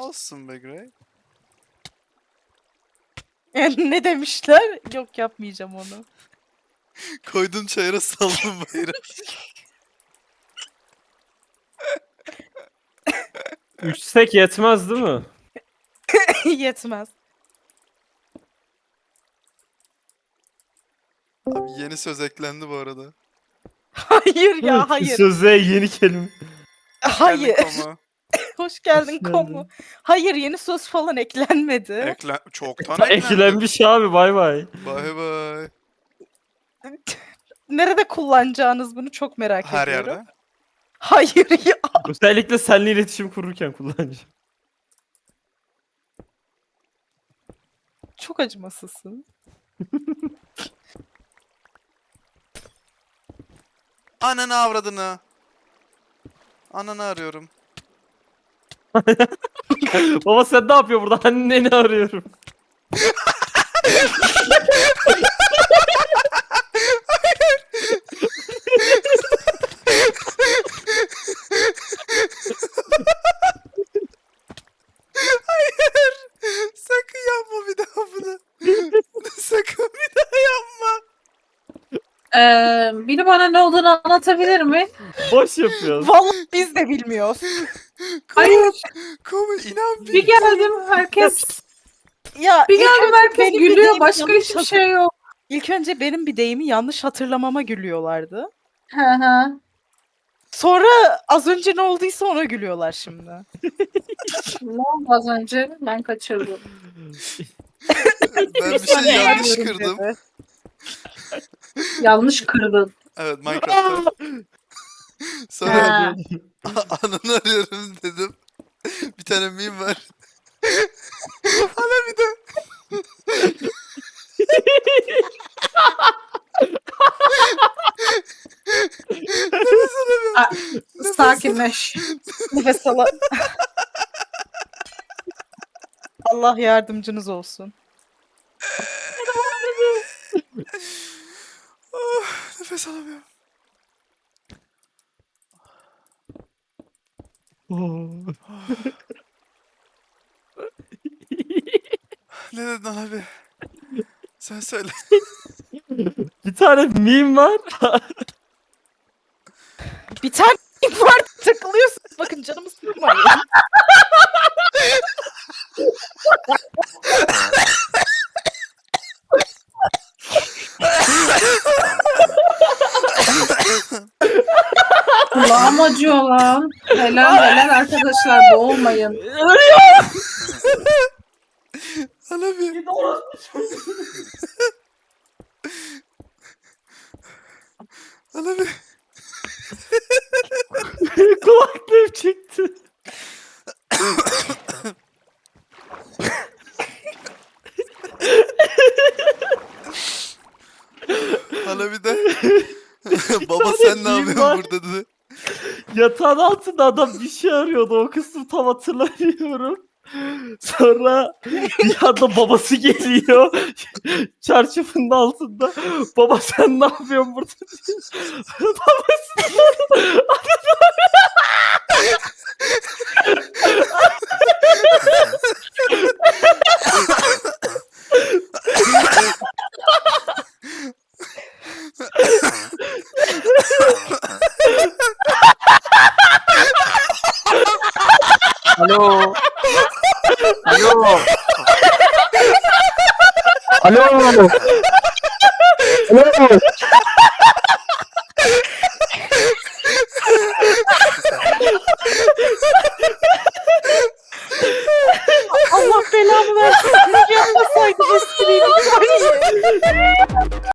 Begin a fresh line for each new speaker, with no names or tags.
Olsun be Grey.
Ne demişler? Yok, yapmayacağım onu.
Koydun çayıra saldın bayrağı.
3 sek yetmez değil mi?
Yetmez.
Abi yeni söz eklendi bu arada.
Hayır ya, hayır.
Söze yeni kelime.
Hayır.
Kendi koma.
Hoş geldin
Hoş geldin.
Komu. Hayır, yeni söz falan eklenmedi.
Çoktan eklendi.
Eklenmiş abi, bay bay.
Bay bay.
Nerede kullanacağınız bunu çok merak
Her
ediyorum.
yerde.
Hayır ya.
Özellikle seninle iletişim kururken kullanacağım.
Çok acımasızsın.
Ananı avradını. Ananı arıyorum.
Baba sen ne yapıyorsun burada? Anneni arıyorum.
Sakın yapma bir daha bunu. Sakın bir daha yapma.
Biri bana ne olduğunu anlatabilir mi?
Boş yapıyorsun.
Vallahi biz de bilmiyoruz.
Hayır.
Komu inan
Bir geldim herkes.
Ya
Bir
ilk
geldim
önce
herkes
benim bir
gülüyor.
deyimi
Başka
yanlış
hiçbir şey yok.
İlk önce benim bir deyimi yanlış hatırlamama gülüyorlardı.
Hı hı.
Sonra az önce ne olduysa ona gülüyorlar şimdi.
Ne oldu az önce? Ben kaçırdım.
ben bir şey yanlış
Bilmiyorum
kırdım.
dedi.
Yanlış kırdın.
Evet Minecraft'ta. Sonra
Ha.
ananı arıyorum dedim. Bir tane meme var. Ana bir de. Nefes alamıyorum.
Sakinleş.
Nefes ala. Allah yardımcınız olsun.
Nefes alamıyorum. Ne dedin abi? Sen söyle.
Bir tane meme var.
Bir tane var, takılıyorsun. Bakın canımı sıkmayın.
Kulağım acıyor lan. Helal helal arkadaşlar, boğulmayın.
Ana bir. Ana bir.
Kulaklığım çıktı.
Ana bir de. Baba sen ne
meme
yapıyorsun
var.
burada dedi.
Yatağın altında adam bir şey arıyordu. O kısmı tam hatırlamıyorum. Sonra bir anda babası geliyor. Çarşafının altında. Baba sen ne yapıyorsun burada diyor. Babası
Alo. Alo. Alo. Alo.
Allah belamı versin. Yapmasaydı espriyi.